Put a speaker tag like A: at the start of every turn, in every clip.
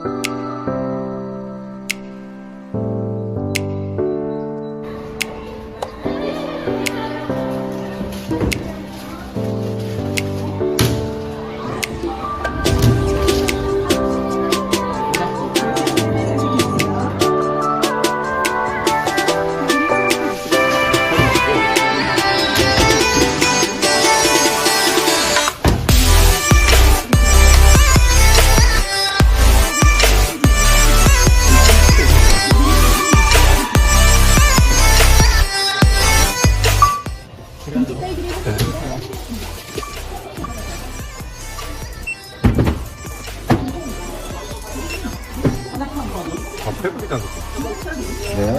A: 배고프지 않겠어?
B: 네.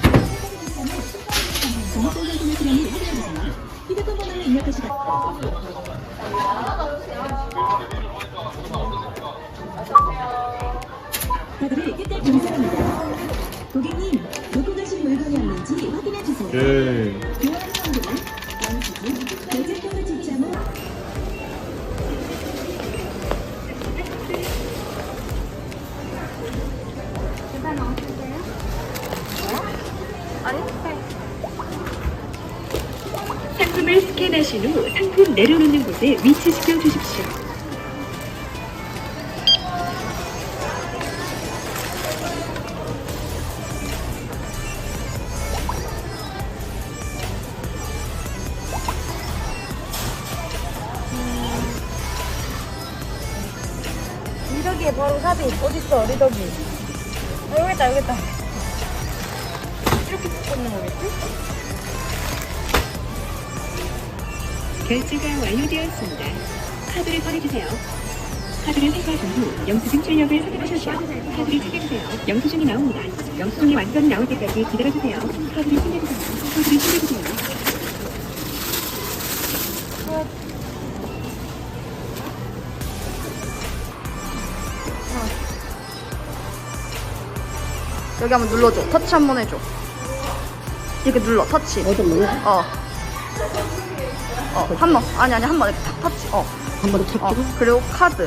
C: 카드를 끝까지 검사합니다. 고객님, 놓고 가신 물건이 없는지 확인해 주세요.
A: 예.
C: 교환 성분은 영수증, 결제권을 지참한
D: 상품을 스캔하신 후 상품 내려놓는 곳에 위치시켜 주십시오.
E: 리더기에 바로 삽입 어딨어 리더기. 여기 있다 여기 있다. 이렇게 꽂는 거겠지?
D: 결제가 완료되었습니다. 카드를 꺼내주세요. 카드를 회수하신 후 영수증 출력을 선택하셔서 카드를 챙겨주세요. 영수증이 나옵니다. 영수증이 완전히 나올 때까지 기다려주세요. 카드를 챙겨주세요. 카드를 챙겨주세요.
E: 여기 한번 눌러줘. 터치 한번 해줘. 이렇게 눌러. 터치.
B: 어떤 거요?
E: 한 번. 아니 한 번 이렇게 탁 터치.
B: 한 번에 탁 찍어?
E: 그리고 카드.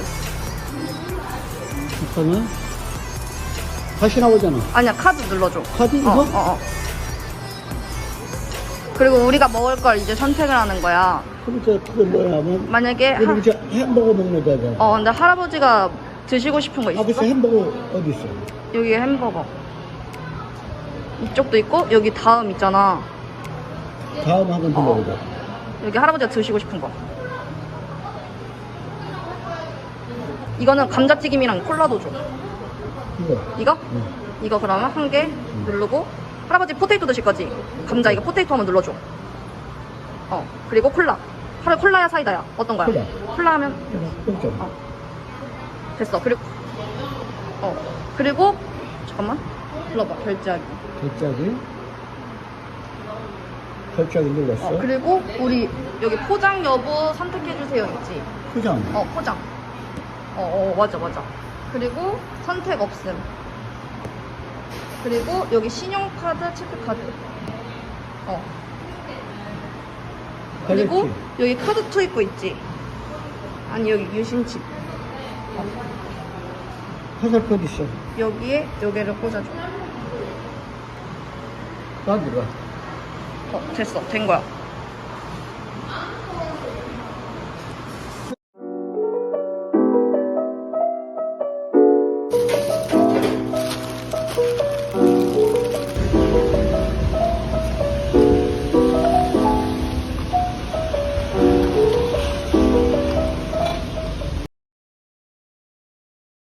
B: 잠깐만. 다시 나오잖아.
E: 아니야 카드 눌러줘.
B: 카드 이거?
E: 그리고 우리가 먹을 걸 이제 선택을 하는 거야.
B: 그럼 그게 뭐야 하면
E: 만약에
B: 우리 이제 햄버거 먹는 데잖아.
E: 근데 할아버지가 드시고 싶은 거 있어?
B: 아버지 햄버거 어디 있어?
E: 여기 햄버거. 이쪽도 있고 여기 다음 있잖아.
B: 다음 한번 눌러보자.
E: 여기 할아버지가 드시고 싶은 거. 이거는 감자튀김이랑 콜라도 줘. 이거?
B: 응.
E: 이거 그러면 한 개 누르고 할아버지 포테이토 드실 거지? 감자 이거 포테이토 한번 눌러줘. 그리고 콜라. 콜라야 사이다야? 어떤 거야? 콜라 하면
B: 그렇죠.
E: 됐어. 그리고 잠깐만 눌러봐. 결제하기.
B: 결제하기 눌렀어.
E: 그리고 우리 여기 포장 여부 선택해주세요 있지?
B: 포장.
E: 포장. 맞아. 그리고 선택 없음. 그리고 여기 신용카드, 체크카드. 그리고
B: 그렇지.
E: 여기 카드 투입구 있지? 아니 여기 유심칩.
B: 화살표 어디 있어?
E: 여기에 여기를 꽂아줘.
B: 나 들어가.
E: 됐어. 된 거야.